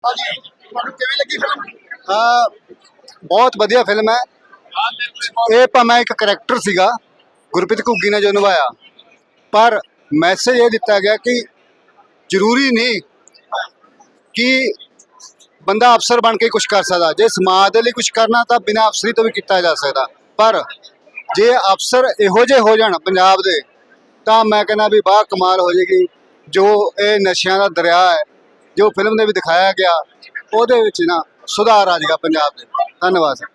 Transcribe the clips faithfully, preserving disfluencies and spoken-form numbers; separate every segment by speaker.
Speaker 1: ਹਾਂਜੀ ਤੁਹਾਨੂੰ ਕਿਵੇਂ ਲੱਗੀ ਫਿਲਮ?
Speaker 2: ਹਾਂ ਬਹੁਤ ਵਧੀਆ ਫਿਲਮ ਹੈ ਇਹ। ਭਾਵੇਂ ਇੱਕ ਕਰੈਕਟਰ ਸੀਗਾ ਗੁਰਪ੍ਰੀਤ ਘੁੱਗੀ ਨੇ ਜੋ ਨਿਭਾਇਆ, ਪਰ ਮੈਸੇਜ ਇਹ ਦਿੱਤਾ ਗਿਆ ਕਿ ਜ਼ਰੂਰੀ ਨਹੀਂ ਕਿ ਬੰਦਾ ਅਫਸਰ ਬਣ ਕੇ ਕੁਝ ਕਰ ਸਕਦਾ। ਜੇ ਸਮਾਜ ਦੇ ਲਈ ਕੁਝ ਕਰਨਾ ਤਾਂ ਬਿਨਾਂ ਅਫਸਰੀ ਤੋਂ ਵੀ ਕੀਤਾ ਜਾ ਸਕਦਾ। ਪਰ ਜੇ ਅਫਸਰ ਇਹੋ ਜਿਹੇ ਹੋ ਜਾਣ ਪੰਜਾਬ ਦੇ ਤਾਂ ਮੈਂ ਕਹਿੰਦਾ ਵੀ ਬਾਹ ਕਮਾਲ ਹੋ ਜਾਏਗੀ। ਜੋ ਇਹ ਨਸ਼ਿਆਂ ਦਾ ਦਰਿਆ ਹੈ ਜੋ ਫਿਲਮ ਦੇ ਵੀ ਦਿਖਾਇਆ ਗਿਆ, ਉਹਦੇ ਵਿੱਚ ਨਾ ਸੁਧਾਰ ਆ ਜਾਏਗਾ ਪੰਜਾਬ ਦੇ। ਧੰਨਵਾਦ ਸਰ।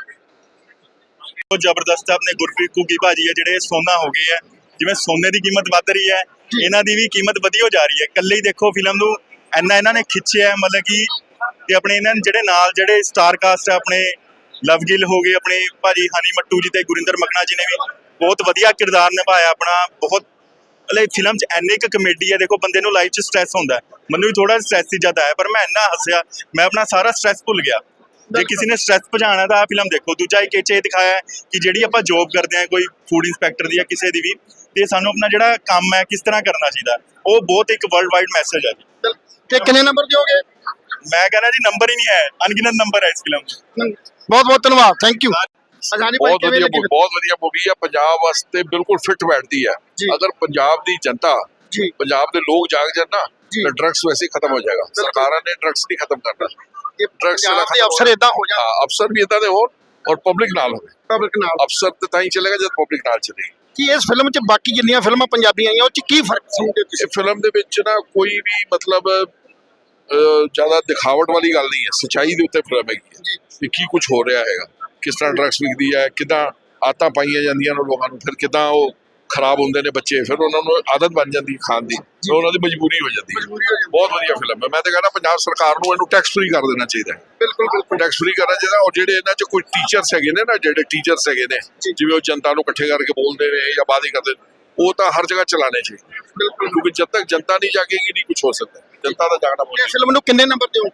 Speaker 3: ਬਹੁਤ ਜ਼ਬਰਦਸਤ ਹੈ। ਆਪਣੇ ਗੁਰਪ੍ਰੀਤ ਘੁੱਗੀ ਭਾਜੀ ਹੈ ਜਿਹੜੇ ਸੋਨਾ ਹੋ ਗਏ ਹੈ। ਜਿਵੇਂ ਸੋਨੇ ਦੀ ਕੀਮਤ ਵੱਧ ਰਹੀ ਹੈ, ਇਹਨਾਂ ਦੀ ਵੀ ਕੀਮਤ ਵਧੀ ਹੋ ਜਾ ਰਹੀ ਹੈ। ਇਕੱਲੇ ਹੀ ਦੇਖੋ ਫਿਲਮ ਨੂੰ ਇੰਨਾ ਇਹਨਾਂ ਨੇ ਖਿੱਚਿਆ ਹੈ, ਮਤਲਬ ਕਿ ਤੇ ਆਪਣੇ ਇਹਨਾਂ ਜਿਹੜੇ ਨਾਲ ਜਿਹੜੇ ਸਟਾਰ ਕਾਸਟ ਹੈ, ਆਪਣੇ ਲਵ ਗਿੱਲ ਹੋ ਗਏ, ਆਪਣੇ ਭਾਜੀ ਹਨੀ ਮੱਟੂ ਜੀ ਤੇ ਗੁਰਿੰਦਰ ਮਕਨਾ ਜੀ ਨੇ ਵੀ ਬਹੁਤ ਵਧੀਆ ਕਿਰਦਾਰ ਨਿਭਾਇਆ ਆਪਣਾ। ਬਹੁਤ ਮਤਲਬ ਫਿਲਮ 'ਚ ਇੰਨੀ ਕੁ ਕਮੇਡੀ ਹੈ। ਦੇਖੋ ਬੰਦੇ ਨੂੰ ਲਾਈਫ 'ਚ ਸਟ੍ਰੈਸ ਹੁੰਦਾ, ਮੈਨੂੰ ਵੀ ਥੋੜਾ ਸਟ੍ਰੈਸ ਸੀ ਜਦ ਆਇਆ, ਪਰ ਮੈਂ ਇੰਨਾ ਹੱਸਿਆ, ਮੈਂ ਆਪਣਾ ਸਾਰਾ ਸਟ੍ਰੈਸ ਭੁੱਲ ਗਿਆ। ਜੇ ਕਿਸੇ ਨੇ ਸਟ੍ਰੈਸ ਭਜਾਉਣਾ ਤਾਂ ਆ ਫਿਲਮ ਦੇਖੋ। ਦੂਜਾ ਇੱਕ ਇਹ 'ਚ ਇਹ ਦਿਖਾਇਆ ਕਿ ਜਿਹੜੀ ਆਪਾਂ ਜੋਬ ਕਰਦੇ ਹਾਂ, ਕੋਈ ਫੂਡ ਇੰਸਪੈਕਟਰ ਦੀ ਜਾਂ ਕਿਸੇ ਦੀ ਵੀ, ਤੇ ਸਾਨੂੰ ਆਪਣਾ ਜਿਹੜਾ ਕੰਮ ਹੈ ਕਿਸ ਤਰ੍ਹਾਂ ਕਰਨਾ ਚਾਹੀਦਾ, ਉਹ ਬਹੁਤ ਇੱਕ ਵਰਲਡ ਵਾਈਡ ਮੈਸੇਜ ਹੈ ਜੀ।
Speaker 1: ਤੇ ਕਿੰਨੇ ਨੰਬਰ ਦਿਓਗੇ?
Speaker 3: ਮੈਂ ਕਹਿੰਦਾ ਜੀ ਨੰਬਰ ਹੀ ਨਹੀਂ ਹੈ, ਅਣਗਿਣਤ ਨੰਬਰ ਹੈ ਇਸ ਫਿਲਮ 'ਚ।
Speaker 1: ਬਹੁਤ ਬਹੁਤ ਧੰਨਵਾਦ, ਥੈਂਕ ਯੂ।
Speaker 4: ਬਹੁਤ ਵਧੀਆ ਬਹੁਤ ਵਧੀਆ ਮੂਵੀ ਆ। ਪੰਜਾਬ ਵਾਸਤੇ ਬਿਲਕੁਲ ਫਿੱਟ ਬੈਠਦੀ ਹੈ। ਅਗਰ ਪੰਜਾਬ ਦੀ ਜਨਤਾ, ਪੰਜਾਬ ਦੇ ਲੋਕ ਜਾਗ ਜਾਣ ਨਾ ਤਾਂ ਡਰੱਗਸ ਵੈਸੇ ਖਤਮ ਹੋ ਜਾਏਗਾ। ਸਰਕਾਰਾਂ ਨੇ ਡਰੱਗਸ ਨਹੀਂ ਖਤਮ ਕਰਨਾ। ਡਰੱਗਸ ਦੇ ਅਫਸਰ ਇਦਾਂ ਹੋ ਜਾਣ, ਅਫਸਰ ਵੀ ਇਦਾਂ ਦੇ ਹੋਣ ਔਰ ਪਬਲਿਕ ਨਾਲ ਹੋਵੇ। ਪਬਲਿਕ ਨਾਲ ਅਫਸਰ ਤੇ ਤਾਂ ਹੀ ਚੱਲੇਗਾ ਜਦ ਪਬਲਿਕ ਨਾਲ ਚੱਲੇਗੀ।
Speaker 1: ਕੀ ਇਸ ਫਿਲਮ 'ਚ ਬਾਕੀ ਜਿੰਨੀਆਂ ਫਿਲਮਾਂ ਪੰਜਾਬੀ ਆਈਆਂ ਉਹ 'ਚ ਕੀ ਫਰਕ ਸਮਝਦੇ ਤੁਸੀਂ?
Speaker 4: ਫਿਲਮ ਦੇ ਵਿੱਚ ਨਾ ਕੋਈ ਵੀ ਮਤਲਬ ਜ਼ਿਆਦਾ ਦਿਖਾਵਟ ਵਾਲੀ ਗੱਲ ਨਹੀਂ ਹੈ। ਸੱਚਾਈ ਦੇ ਉੱਤੇ ਫਿਲਮ ਹੈਗੀ ਹੈ ਕਿ ਕੀ ਕੁਝ ਹੋ ਰਿਹਾ ਹੈਗਾ, ਕਿਸ ਤਰ੍ਹਾਂ ਡਰੱਗਸ ਵਿਕਦੀ ਹੈ, ਕਿੱਦਾਂ ਆਦਤਾਂ ਪਾਈਆਂ ਜਾਂਦੀਆਂ ਨੇ ਲੋਕਾਂ ਨੂੰ, ਫਿਰ ਕਿੱਦਾਂ ਉਹ ਖਰਾਬ ਹੁੰਦੇ ਨੇ ਬੱਚੇ, ਫਿਰ ਉਹਨਾਂ ਨੂੰ ਆਦਤ ਬਣ ਜਾਂਦੀ ਖਾਣ ਦੀ, ਫਿਰ ਉਹਨਾਂ ਦੀ ਮਜਬੂਰੀ ਹੋ ਜਾਂਦੀ ਹੈ। ਬਹੁਤ ਵਧੀਆ ਫਿਲਮ ਹੈ। ਮੈਂ ਤਾਂ ਕਹਿੰਦਾ ਪੰਜਾਬ ਸਰਕਾਰ ਨੂੰ ਇਹਨੂੰ ਟੈਕਸ ਫ੍ਰੀ ਕਰ ਦੇਣਾ ਚਾਹੀਦਾ ਹੈ। ਬਿਲਕੁਲ ਬਿਲਕੁਲ ਟੈਕਸ ਫ੍ਰੀ ਕਰਨਾ ਚਾਹੀਦਾ। ਔਰ ਜਿਹੜੇ ਇਹਨਾਂ 'ਚ ਕੋਈ ਟੀਚਰਸ ਹੈਗੇ ਨੇ ਨਾ, ਜਿਹੜੇ ਟੀਚਰਸ ਹੈਗੇ ਨੇ ਜਿਵੇਂ ਉਹ ਜਨਤਾ ਨੂੰ ਇਕੱਠੇ ਕਰਕੇ ਬੋਲਦੇ ਨੇ ਜਾਂ ਬਾਤ ਕਰਦੇ ਨੇ, ਉਹ ਤਾਂ ਹਰ ਜਗ੍ਹਾ ਚਲਾਣੇ ਚਾਹੀਦੇ। ਬਿਲਕੁਲ, ਕਿਉਂਕਿ ਜਦ ਤੱਕ ਜਨਤਾ ਨਹੀਂ ਜਾਗੇਗੀ ਨਹੀਂ ਕੁਝ ਹੋ ਸਕਦਾ। ਜਨਤਾ ਦਾ ਜਾਗਣਾ ਬਹੁਤ।
Speaker 1: ਫਿਲਮ ਨੂੰ ਕਿੰਨੇ ਨੰਬਰ ਦਿਓ?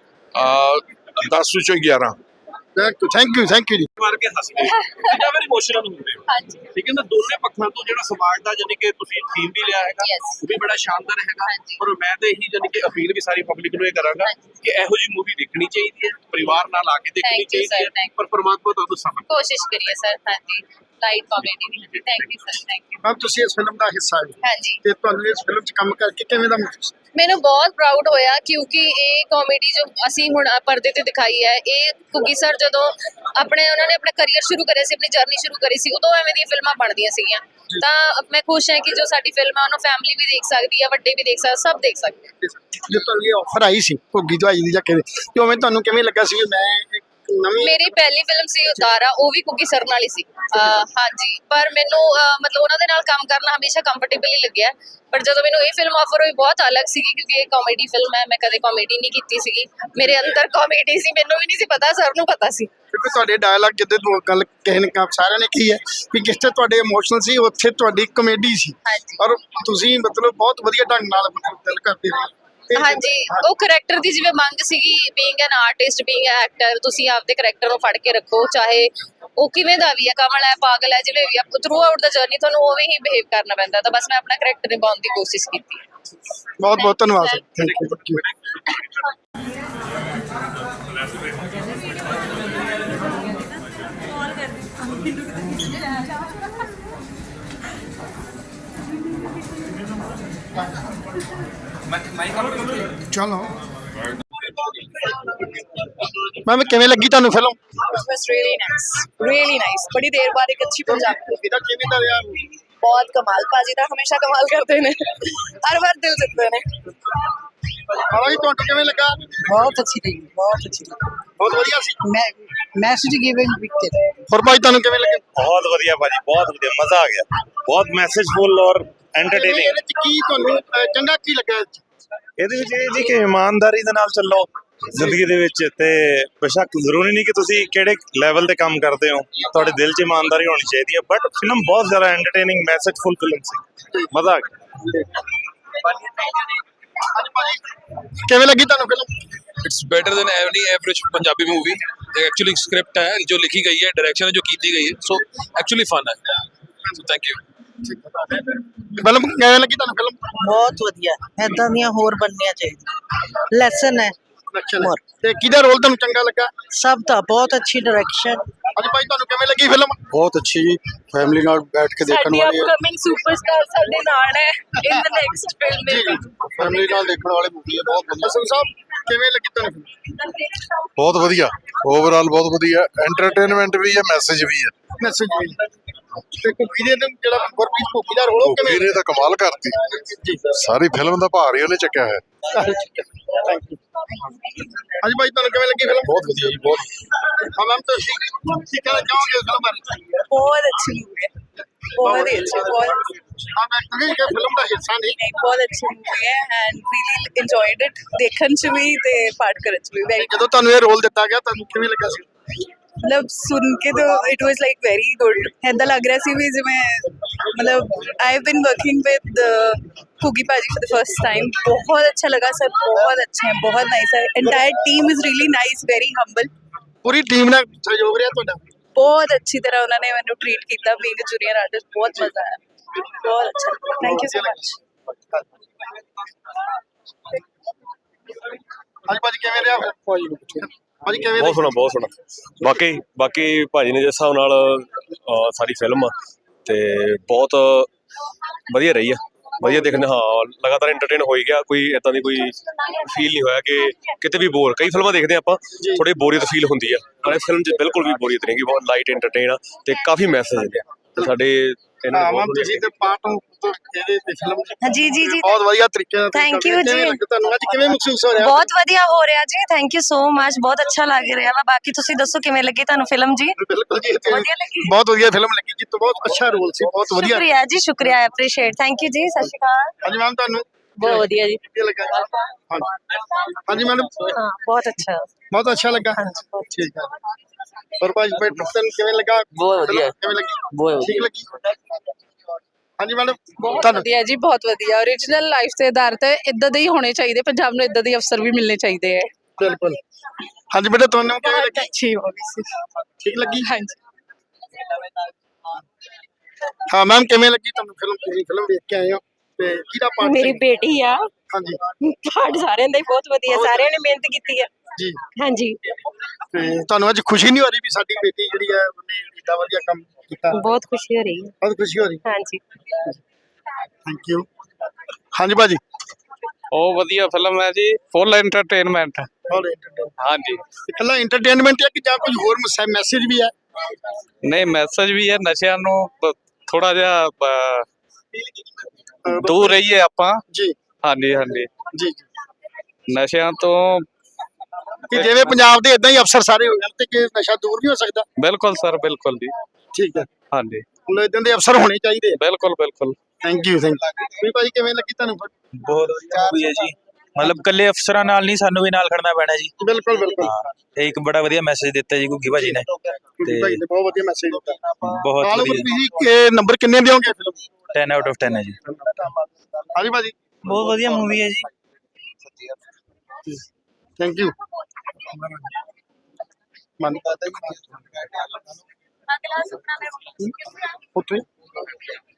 Speaker 4: ਦਸ ਵਿੱਚੋਂ ਗਿਆਰਾਂ।
Speaker 1: ਥੈਂਕ ਯੂ ਥੈਂਕ ਯੂ ਜੀ।
Speaker 5: ਮਾਰ ਕੇ ਹੱਸਦੇ ਜਾਂ ਫਿਰ ਇਮੋਸ਼ਨਲ ਹੁੰਦੇ ਹੋ। ਹਾਂਜੀ ਠੀਕ ਹੈ ਨਾ। ਦੋਨੇ ਪੱਖਾਂ ਤੋਂ ਜਿਹੜਾ ਸਮਾਜ ਦਾ ਜਾਨੀ ਕਿ ਤੁਸੀਂ ਥੀਮ ਵੀ ਲਿਆ ਹੈਗਾ, ਉਹ ਵੀ ਬੜਾ ਸ਼ਾਨਦਾਰ ਹੈਗਾ। ਪਰ ਮੈਂ ਤਾਂ ਇਹੀ ਜਾਨੀ ਕਿ ਅਪੀਲ ਵੀ ਸਾਰੀ ਪਬਲਿਕ ਨੂੰ ਇਹ ਕਰਾਂਗਾ ਕਿ ਇਹੋ ਜਿਹੀ ਮੂਵੀ ਦੇਖਣੀ ਚਾਹੀਦੀ ਹੈ, ਪਰਿਵਾਰ ਨਾਲ ਆ ਕੇ ਦੇਖਣੀ ਚਾਹੀਦੀ ਹੈ, ਪਰ ਪਰਮਾਤਮਾ ਤੁਹਾਨੂੰ ਸਫਲ
Speaker 6: ਕੋਸ਼ਿਸ਼ ਕਰੀਏ ਸਰ। ਹਾਂਜੀ ਲਾਈਟ ਕਾਮੇਡੀ ਦੀ। Thank you sir. Thank you
Speaker 1: ma'am, ਤੁਸੀਂ ਇਸ ਫਿਲਮ ਦਾ ਹਿੱਸਾ ਹੋ
Speaker 6: ਹਾਂਜੀ।
Speaker 1: ਤੇ ਤੁਹਾਨੂੰ ਇਸ ਫਿਲਮ 'ਚ ਕੰਮ ਕਰਕੇ ਕਿਵੇਂ ਦਾ ਮਹਿਸੂਸ?
Speaker 6: ਮੈਨੂੰ ਬਹੁਤ ਪ੍ਰਾਊਡ ਹੋਇਆ ਕਿਉਂਕਿ ਇਹ ਕਾਮੇਡੀ ਜੋ ਅਸੀਂ ਹੁਣ ਪਰਦੇ ਤੇ ਦਿਖਾਈ ਹੈ, ਇਹ ਘੁੱਗੀ ਸਰ ਜਦੋਂ ਆਪਣੇ ਉਹਨਾਂ ਨੇ ਆਪਣਾ ਕਰੀਅਰ ਸ਼ੁਰੂ ਕਰਿਆ ਸੀ, ਆਪਣੀ ਜਰਨੀ ਸ਼ੁਰੂ ਕਰੀ ਸੀ, ਉਦੋਂ ਐਵੇਂ ਦੀਆਂ ਫਿਲਮਾਂ ਬਣਦੀਆਂ ਸੀਗੀਆਂ। ਤਾਂ ਮੈਂ ਖੁਸ਼ ਹਾਂ ਕਿ ਜੋ ਸਾਡੀ ਫਿਲਮ ਆ ਉਹਨੂੰ ਫੈਮਿਲੀ ਵੀ ਦੇਖ ਸਕਦੀ ਹੈ, ਵੱਡੇ ਵੀ ਦੇਖ ਸਕਦੇ, ਸਭ ਦੇਖ ਸਕਦੇ।
Speaker 1: ਜੇ ਤੁਹਾਨੂੰ ਇਹ ਆਫਰ ਆਈ ਸੀ ਘੁੱਗੀ ਦਵਾਈ ਦੀ ਜਾਂ ਕਿਵੇਂ, ਤੇ ਉਵੇਂ ਤੁਹਾਨੂੰ ਕਿਵੇਂ ਲੱਗਾ ਸੀ ਵੀ ਮੈਂ ਨਵੀਂ?
Speaker 6: ਮੇਰੀ ਪਹਿਲੀ ਫਿਲਮ ਸੀ ਉਤਾਰਾ, ਉਹ ਵੀ ਘੁੱਗੀ ਸਰ ਨਾਲ ਹੀ ਸੀ। ਹਾਂਜੀ, ਪਰ ਮੈਨੂੰ ਮਤਲਬ ਉਹਨਾਂ ਦੇ ਨਾਲ ਕੰਮ ਕਰਨਾ ਹਮੇਸ਼ਾ ਕੰਫਰਟੇਬਲ ਹੀ ਲੱਗਿਆ। ਪਰ ਜਦੋਂ ਮੈਨੂੰ ਇਹ ਫਿਲਮ ਆਫਰ ਹੋਈ ਬਹੁਤ ਅਲੱਗ ਸੀਗੀ ਕਿਉਂਕਿ ਇਹ ਕਾਮੇਡੀ ਫਿਲਮ ਹੈ। ਮੈਂ ਕਦੇ ਕਾਮੇਡੀ ਨਹੀਂ ਕੀਤੀ ਸੀਗੀ, ਮੇਰੇ ਅੰਦਰ ਕਾਮੇਡੀ ਸੀ, ਮੈਨੂੰ ਵੀ ਨਹੀਂ ਸੀ ਪਤਾ, ਸਰ ਨੂੰ ਪਤਾ ਸੀ।
Speaker 1: ਕਿਉਂਕਿ ਤੁਹਾਡੇ ਡਾਇਲੌਗ ਜਿੱਦਾਂ ਗੱਲ ਕਿਸੇ ਨੇ ਸਾਰਿਆਂ ਨੇ ਕੀ ਹੈ ਵੀ ਜਿਸ ਤੇ ਤੁਹਾਡੇ ਇਮੋਸ਼ਨਲ ਸੀ ਉੱਥੇ ਤੁਹਾਡੀ ਕਮੇਡੀ ਸੀ। ਔਰ ਤੁਸੀਂ ਮਤਲਬ ਬਹੁਤ ਵਧੀਆ ਢੰਗ ਨਾਲ ਦਿਲ ਕਰਦੇ ਰਹੇ।
Speaker 6: ਹਾਂਜੀ, ਉਹ ਕਰੈਕਟਰ ਦੀ ਜਿਵੇਂ ਮੰਗ ਸੀਗੀ, being an artist, being a actor, ਤੁਸੀਂ ਆਪਦੇ ਕਰੈਕਟਰ ਨੂੰ ਫੜ ਕੇ ਰੱਖੋ, ਚਾਹੇ ਉਹ ਕਿਵੇਂ ਦਾ ਵੀ ਹੈ, ਕਮਲ ਹੈ, ਪਾਗਲ ਹੈ, ਜਿਵੇਂ ਵੀ ਆ, ਥਰੂ ਆਊਟ ਦਾ ਜਰਨੀ ਤੁਹਾਨੂੰ ਉਵੇਂ ਹੀ ਬਿਹੇਵ ਕਰਨਾ ਪੈਂਦਾ। ਤਾਂ ਬਸ ਮੈਂ ਆਪਣਾ ਕਰੈਕਟਰ ਨਿਭਾਉਣ ਦੀ ਕੋਸ਼ਿਸ਼ ਕੀਤੀ।
Speaker 1: ਬਹੁਤ ਬਹੁਤ ਧੰਨਵਾਦ ਸਰ। Thank you. ਚਲੋ ਮੈਮ, ਕਿਵੇਂ ਲੱਗੀ ਤੁਹਾਨੂੰ film?
Speaker 7: was really nice, really nice. बड़ी देर बाद एक अच्छी पंजाबी मूवी
Speaker 1: ਇਹਦਾ ਕਿਵੇਂ ਦਾ ਰਿਹਾ?
Speaker 7: बहुत कमाल। पाजी ਤਾਂ हमेशा कमाल करते ने, हर बार दिल जीतते ने।
Speaker 1: ਹਾਂ ਜੀ, ਤੁਹਾਨੂੰ ਕਿਵੇਂ ਲੱਗਾ?
Speaker 8: बहुत अच्छी लगी, बहुत अच्छी लगी।
Speaker 1: ਬਹੁਤ ਵਧੀਆ ਸੀ।
Speaker 8: मैं मैसेज गिविंग पिक्चर।
Speaker 1: ਹੋਰ ਭਾਈ ਤੁਹਾਨੂੰ ਕਿਵੇਂ ਲੱਗੇ?
Speaker 3: ਬਹੁਤ ਵਧੀਆ ਭਾਜੀ, ਬਹੁਤ ਵਧੀਆ, ਮਜ਼ਾ ਆ ਗਿਆ। ਬਹੁਤ ਮੈਸੇਜਫੁਲ ਔਰ ਐਂਟਰਟੇਨਿੰਗ।
Speaker 1: ਇਹਦੇ 'ਚ ਕੀ ਤੁਹਾਨੂੰ ਅਹ, ਚੰਗਾ ਕੀ ਲੱਗਾ?
Speaker 3: ਇਹਦੇ ਵਿੱਚ ਇਹ ਜੀ ਕਿ ਇਮਾਨਦਾਰੀ ਦੇ ਨਾਲ ਚੱਲੋ ਜ਼ਿੰਦਗੀ ਦੇ ਵਿੱਚ, ਤੇ ਬੇਸ਼ੱਕ ਜ਼ਰੂਰੀ ਨਹੀਂ ਕਿ ਤੁਸੀਂ ਕਿਹੜੇ ਲੈਵਲ ਤੇ ਕੰਮ ਕਰਦੇ ਹੋ, ਤੁਹਾਡੇ ਦਿਲ 'ਚ ਇਮਾਨਦਾਰੀ ਹੋਣੀ ਚਾਹੀਦੀ ਹੈ। ਬਟ ਫਿਲਮ ਬਹੁਤ ਜ਼ਿਆਦਾ ਐਂਟਰਟੇਨਿੰਗ ਮੈਸੇਜਫੁਲ ਫਿਲਮ ਸੀ, ਮਜ਼ਾ ਆ ਗਿਆ।
Speaker 1: ਕਿਵੇਂ ਲੱਗੀ ਤੁਹਾਨੂੰ film?
Speaker 9: It's better than any average Punjabi movie. Actually script है जो लिखी गई है, डायरेक्शन है जो की गई है, सो एक्चुअली फन है। So thank you.
Speaker 1: ਫਿਲਮ ਕਿਵੇਂ ਲੱਗੀ ਤੁਹਾਨੂੰ ਫਿਲਮ?
Speaker 8: बहुत वधिया, ऐदां दियां होर बननियां चाहिए। लेसन है
Speaker 1: Direction ਹੈ।
Speaker 8: More.
Speaker 1: ਤੇ ਕਿਹਦਾ ਰੋਲ ਤੁਹਾਨੂੰ ਚੰਗਾ ਲੱਗਾ?
Speaker 8: सब था बहुत अच्छी डायरेक्शन।
Speaker 1: ਹਾਂਜੀ ਭਾਈ ਤੁਹਾਨੂੰ ਕਿਵੇਂ ਲੱਗੀ ਫਿਲਮ?
Speaker 2: ਬਹੁਤ ਅੱਛੀ ਜੀ, ਫੈਮਿਲੀ ਨਾਲ ਬੈਠ ਕੇ ਦੇਖਣ
Speaker 7: ਸਾਡੀ
Speaker 2: ਵਾਲੀ ਹੈ।
Speaker 7: ਅਪਕਮਿੰਗ ਸੁਪਰਸਟਾਰ ਸਾਡੇ ਨਾਲ ਹੈ ਇਨ ਦ ਨੈਕਸਟ ਫਿਲਮ
Speaker 1: ਜੀ ਜੀ
Speaker 2: ਫੈਮਿਲੀ ਨਾਲ ਦੇਖਣ ਵਾਲੀ ਮੂਵੀ ਹੈ, ਬਹੁਤ ਵਧੀਆ।
Speaker 1: ਅਸਲ ਸਾਹਿਬ ਕਿਵੇਂ ਲੱਗੀ ਤੁਹਾਨੂੰ ਫਿਲਮ?
Speaker 10: ਬਹੁਤ ਵਧੀਆ, ਓਵਰਆਲ ਬਹੁਤ ਵਧੀਆ, ਐਂਟਰਟੇਨਮੈਂਟ ਵੀ ਹੈ, ਮੈਸੇਜ ਵੀ ਹੈ।
Speaker 1: ਮੈਸੇਜ ਵੀ ਤੇ ਕੁਕੀ ਦੇ ਦਿਨ ਜਿਹੜਾ ਗੁਰਪ੍ਰੀਤ ਕੁਕੀ ਦਾ ਰੋਲ ਕਿਵੇਂ?
Speaker 10: ਵੀਰੇ ਤਾਂ ਕਮਾਲ ਕਰਤੀ,
Speaker 1: ਜੀ
Speaker 10: ਸਾਰੀ ਫਿਲਮ ਦਾ ਭਾਰ ਹੀ ਉਹਨੇ ਚੱਕਿਆ ਹੈ।
Speaker 1: Thank you. ਹਾਂਜੀ ਭਾਈ ਤੁਹਾਨੂੰ ਕਿਵੇਂ ਲੱਗੀ ਫਿਲਮ?
Speaker 2: ਬਹੁਤ ਵਧੀਆ ਜੀ, ਬਹੁਤ।
Speaker 1: ਹਾਂ ਮੈਮ ਤੁਸੀਂ ਕੀ ਕਹਿਣਾ ਚਾਹੋਗੇ ਫਿਲਮ ਬਾਰੇ?
Speaker 7: ਬਹੁਤ ਅੱਛੀ मूवी है बहुत ही अच्छी बहुत
Speaker 1: ਹਾਂ ਮੈਂ ਕਹਾਂ ਕਿ ਫਿਲਮ ਦਾ ਹਿੱਸਾ ਨਹੀਂ
Speaker 7: नहीं बहुत अच्छी मूवी है एंड रियली इंजॉयड इट देखਣ ਚ ਵੀ ਤੇ ਪਾਠ ਕਰਨ ਚ ਵੀ ਵੈਰੀ
Speaker 1: ਜਦੋਂ ਤੁਹਾਨੂੰ ਇਹ ਰੋਲ ਦਿੱਤਾ ਗਿਆ ਤੁਹਾਨੂੰ ਕਿਵੇਂ ਲੱਗਾ ਸੀ?
Speaker 7: ਮਤਲਬ ਸੁਣ ਕੇ ਤਾਂ it was like very good ਐਦਾਂ ਲੱਗ ਰਿਹਾ ਸੀ ਵੀ ਜਿਵੇਂ ਮਤਲਬ I have been working with Kuggi ਭਾਜੀ ਫॉर द फर्स्ट टाइम बहुत अच्छा लगा सर बहुत अच्छे हैं बहुत नाइस है entire team is really nice very humble
Speaker 1: ਪੂਰੀ ਟੀਮ ਨਾਲ ਸਹਿਯੋਗ ਰਿਹਾ ਤੁਹਾਡਾ?
Speaker 7: बहुत अच्छी तरह उन्होंने मैंने ट्रीट किया बीइंग अ जूनियर आर्टिस्ट बहुत मजा आया बहुत अच्छा थैंक यू सो मच
Speaker 1: ਹਾਂਜੀ ਭਾਜੀ ਕਿਵੇਂ ਰਿਹਾ ਫਿਰ? ਭਾਜੀ ਕਿਵੇਂ
Speaker 11: ਬਹੁਤ ਸੋਹਣਾ ਬਹੁਤ ਸੋਹਣਾ ਬਾਕੀ ਬਾਕੀ ਭਾਜੀ ਨੇ ਜਿਸ ਹਿਸਾਬ ਨਾਲ ਅਹ, ਸਾਰੀ ਫਿਲਮ ਤੇ ਬਹੁਤ ਵਧੀਆ ਰਹੀ ਆ ਵਧੀਆ ਦੇਖਣ ਹਾਂ ਲਗਾਤਾਰ ਐਂਟਰਟੇਨ ਹੋਈ ਗਿਆ ਕੋਈ ਇਦਾਂ ਦੀ ਕੋਈ ਫੀਲ ਨਹੀਂ ਹੋਇਆ ਕਿ ਕਿਤੇ ਵੀ ਬੋਰ ਕਈ ਫਿਲਮਾਂ ਦੇਖਦੇ ਆਪਾਂ ਥੋੜੀ ਬੋਰੀਅਤ ਫੀਲ ਹੁੰਦੀ ਆ ਪਰ ਇਹ ਫਿਲਮ 'ਚ ਬਿਲਕੁਲ ਵੀ ਬੋਰੀਅਤ ਨਹੀਂ ਗੀ ਬਹੁਤ ਲਾਈਟ ਐਂਟਰਟੇਨ ਆ ਤੇ ਕਾਫੀ ਮੈਸੇਜ ਨੇ ਤੇ ਸਾਡੇ ਇਹਨਾਂ
Speaker 1: ਹਾਂ
Speaker 11: ਨੇ
Speaker 1: ਮੈਮ
Speaker 11: ਬਹੁਤ
Speaker 1: ਤੁਸੀਂ ਤੇ ਪਾਰਟ ਇਹਦੇ ਤੇ ਫਿਲਮ
Speaker 12: ਜੀ ਜੀ ਜੀ
Speaker 1: ਬਹੁਤ ਵਧੀਆ ਤਰੀਕੇ ਨਾਲ ਤੁਸੀਂ
Speaker 12: Thank
Speaker 1: ਕਰਦੇ।
Speaker 12: you
Speaker 1: ਕਿਵੇਂ
Speaker 12: ਜੀ।
Speaker 1: ਲੱਗਾ ਤੁਹਾਨੂੰ ਅੱਜ ਕਿਵੇਂ ਮਹਿਸੂਸ ਹੋ ਰਿਹਾ?
Speaker 12: ਬਹੁਤ ਵਧੀਆ ਹੋ ਰਿਹਾ ਜੀ ਥੈਂਕ ਯੂ ਸੋ ਮਚ ਬਹੁਤ ਅੱਛਾ ਲੱਗ ਰਿਹਾ ਵਾ ਬਾਕੀ ਤੁਸੀਂ ਦੱਸੋ ਕਿਵੇਂ ਲੱਗੀ ਤੁਹਾਨੂੰ ਫਿਲਮ ਜੀ
Speaker 1: ਬਿਲਕੁਲ ਜੀ ਇਹ ਤੇ
Speaker 12: ਵਧੀਆ ਲੱਗੀ।
Speaker 1: ਬਹੁਤ ਵਧੀਆ ਫਿਲਮ ਲੱਗੀ ਜੀ ਤੇ ਬਹੁਤ ਅੱਛਾ ਰੋਲ ਸੀ ਬਹੁਤ ਵਧੀਆ।
Speaker 12: ਸ਼ੁਕਰੀਆ ਜੀ ਸ਼ੁਕਰੀਆ ਐਪਰੀਸ਼ੀਏਟ ਥੈਂਕ ਯੂ ਜੀ ਸਤਿ ਸ਼੍ਰੀ ਅਕਾਲ
Speaker 1: ਹਾਂਜੀ ਮੈਮ ਤੁਹਾਨੂੰ
Speaker 7: बहुत बढ़िया जी
Speaker 1: ਕੀ ਲੱਗਾ? ਹਾਂਜੀ ਹਾਂਜੀ ਮੈਡਮ
Speaker 12: ਹਾਂ ਬਹੁਤ ਅੱਛਾ
Speaker 1: ਬਹੁਤ ਅੱਛਾ ਲੱਗਾ ਠੀਕ ਹੈ और भाई भाई ਤੁਹਾਨੂੰ ਕਿਵੇਂ ਲੱਗਾ?
Speaker 8: ਬਹੁਤ ਵਧੀਆ।
Speaker 1: ਕਿਵੇਂ ਲੱਗੀ?
Speaker 8: ਬਹੁਤ
Speaker 1: ਠੀਕ ਲੱਗੀ? ਹਾਂਜੀ ਮੈਡਮ
Speaker 7: ਬਹੁਤ
Speaker 1: ਤੁਹਾਨੂੰ
Speaker 7: ਵਧੀਆ ਜੀ ਬਹੁਤ ਵਧੀਆ ओरिजिनल ਲਾਈਫ ਤੇ ਆਧਾਰਿਤ ਹੈ ਇਦਾਂ ਦੇ ਹੀ ਹੋਣੇ ਚਾਹੀਦੇ ਪੰਜਾਬ ਨੂੰ ਇਦਾਂ ਦੇ ਅਫਸਰ ਵੀ ਮਿਲਣੇ ਚਾਹੀਦੇ ਹੈ
Speaker 1: ਬਿਲਕੁਲ ਹਾਂਜੀ ਬੇਟਾ ਤੁਹਾਨੂੰ ਕਿਵੇਂ ਲੱਗੀ?
Speaker 7: ਅੱਛੀ ਹੋਗੀ ਸੀ
Speaker 1: ਠੀਕ ਲੱਗੀ?
Speaker 7: ਹਾਂਜੀ
Speaker 1: ਹਾਂ ਮੈਮ ਕਿਵੇਂ ਲੱਗੀ ਤੁਹਾਨੂੰ ਫਿਲਮ? ਤੁਸੀਂ ਫਿਲਮ ਦੇਖ ਕੇ ਆਏ ਹੋ ਤੇ ਕਿਹਦਾ ਪਾਰਟ?
Speaker 12: ਮੇਰੀ ਬੇਟੀ ਆ
Speaker 1: ਹਾਂਜੀ
Speaker 12: ਪਾਠ ਸਾਰਿਆਂ ਦਾ ਹੀ ਬਹੁਤ ਵਧੀਆ ਸਾਰਿਆਂ ਨੇ ਮਿਹਨਤ ਕੀਤੀ ਹੈ
Speaker 1: ਜੀ
Speaker 12: ਹਾਂਜੀ
Speaker 1: ਤੇ ਤੁਹਾਨੂੰ ਅੱਜ ਖੁਸ਼ੀ ਨਹੀਂ ਹੋ ਰਹੀ ਵੀ ਸਾਡੀ ਬੇਟੀ ਜਿਹੜੀ ਹੈ ਉਹਨੇ ਇੰਨਾ ਵਧੀਆ ਕੰਮ ਕੀਤਾ?
Speaker 12: ਬਹੁਤ ਖੁਸ਼ੀ ਹੋ ਰਹੀ ਹੈ
Speaker 1: ਬਹੁਤ ਖੁਸ਼ੀ ਹੋ ਰਹੀ
Speaker 12: ਹਾਂਜੀ
Speaker 1: ਥੈਂਕ ਯੂ ਹਾਂਜੀ ਭਾਜੀ
Speaker 9: ਉਹ ਵਧੀਆ ਫਿਲਮ ਹੈ ਜੀ ਫੁੱਲ ਐਂਟਰਟੇਨਮੈਂਟ
Speaker 1: ਬਹੁਤ entertainment।
Speaker 9: ਹਾਂਜੀ
Speaker 1: ਇਕੱਲਾ ਐਂਟਰਟੇਨਮੈਂਟ ਹੈ ਕਿ ਜਾਂ ਕੁਝ ਹੋਰ ਮੈਸੇਜ ਵੀ ਹੈ?
Speaker 9: ਨਹੀਂ ਮੈਸੇਜ ਵੀ ਹੈ ਨਸ਼ਿਆਂ ਨੂੰ ਥੋੜਾ ਜਿਹਾ ਅਹ, ਦੂਰ ਰਹੀਏ ਆਪਾਂ
Speaker 1: ਜੀ
Speaker 9: ਹਾਂਜੀ ਹਾਂਜੀ
Speaker 1: ਜੀ
Speaker 9: ਨਸ਼ਿਆਂ ਤੋਂ
Speaker 1: ਕਿ ਜਿਵੇਂ ਪੰਜਾਬ ਦੇ ਇਦਾਂ ਹੀ ਅਫਸਰ ਸਾਰੇ ਹੋ ਜਾਣ ਤੇ ਕਿ ਨਸ਼ਾ ਦੂਰ ਨਹੀਂ ਹੋ ਸਕਦਾ?
Speaker 9: ਬਿਲਕੁਲ ਸਰ ਬਿਲਕੁਲ ਜੀ
Speaker 1: ਠੀਕ ਹੈ
Speaker 9: ਹਾਂਜੀ
Speaker 1: ਹੁਣ ਇਦਾਂ ਦੇ ਅਫਸਰ ਹੋਣੇ ਚਾਹੀਦੇ।
Speaker 9: ਬਿਲਕੁਲ ਬਿਲਕੁਲ
Speaker 1: ਥੈਂਕ ਯੂ ਥੈਂਕ ਯੂ ਵੀ ਭਾਈ ਕਿਵੇਂ ਲੱਗੀ ਤੁਹਾਨੂੰ?
Speaker 13: ਬਹੁਤ ਵਧੀਆ ਮੂਵੀ ਹੈ ਜੀ ਮਤਲਬ ਕੱਲੇ ਅਫਸਰਾਂ ਨਾਲ ਨਹੀਂ ਸਾਨੂੰ ਵੀ ਨਾਲ ਖੜਨਾ ਪੈਣਾ ਜੀ
Speaker 1: ਬਿਲਕੁਲ ਬਿਲਕੁਲ
Speaker 13: ਇਹ ਇੱਕ ਬੜਾ ਵਧੀਆ ਮੈਸੇਜ ਦਿੱਤਾ ਜੀ ਗੁੱਗੀ ਭਾਜੀ ਨੇ
Speaker 1: ਗੁੱਗੀ ਭਾਈ ਨੇ ਬਹੁਤ ਵਧੀਆ ਮੈਸੇਜ ਦਿੱਤਾ।
Speaker 13: ਬਹੁਤ
Speaker 1: ਆਲ
Speaker 13: ਵਧੀਆ
Speaker 1: ਤੁਸੀਂ ਨੰਬਰ ਕਿੰਨੇ ਦਿਓਗੇ ਫਿਲਮ?
Speaker 13: ਦਸ ਆਊਟ ਆਫ ਦਸ ਹੈ ਜੀ
Speaker 1: ਹਾਂਜੀ ਭਾਜੀ
Speaker 13: ਬਹੁਤ ਵਧੀਆ ਮੂਵੀ ਹੈ ਜੀ
Speaker 1: ਥੈਂਕ ਯੂ ਮਨ ਉੱਥੇ